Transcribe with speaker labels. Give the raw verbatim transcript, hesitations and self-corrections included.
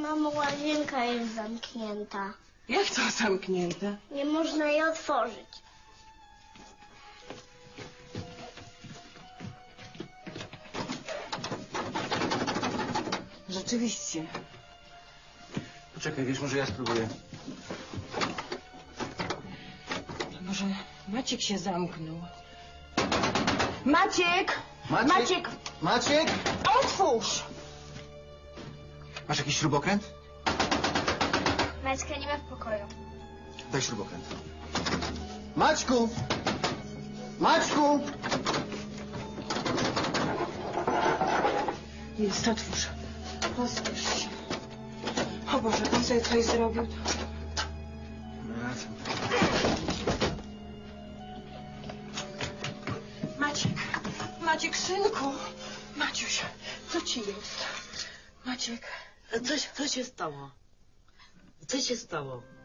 Speaker 1: Mamo, łazienka jest zamknięta.
Speaker 2: Jak to zamknięte?
Speaker 1: Nie można jej otworzyć.
Speaker 2: Rzeczywiście.
Speaker 3: Poczekaj, wiesz, może ja spróbuję.
Speaker 2: Może Maciek się zamknął. Maciek!
Speaker 3: Maciek!
Speaker 2: Maciek!
Speaker 3: Maciek!
Speaker 2: Otwórz!
Speaker 3: Masz jakiś śrubokręt?
Speaker 1: Maćka nie ma w pokoju.
Speaker 3: Daj śrubokręt. Maćku! Maćku!
Speaker 2: Jest, otwórz. Rozpisz się. O Boże, pan sobie coś zrobił.
Speaker 3: Wracam.
Speaker 2: Maciek! Maciek, synku! Maciuś, co ci jest? Maciek.
Speaker 4: Co, co się stało? Co się stało?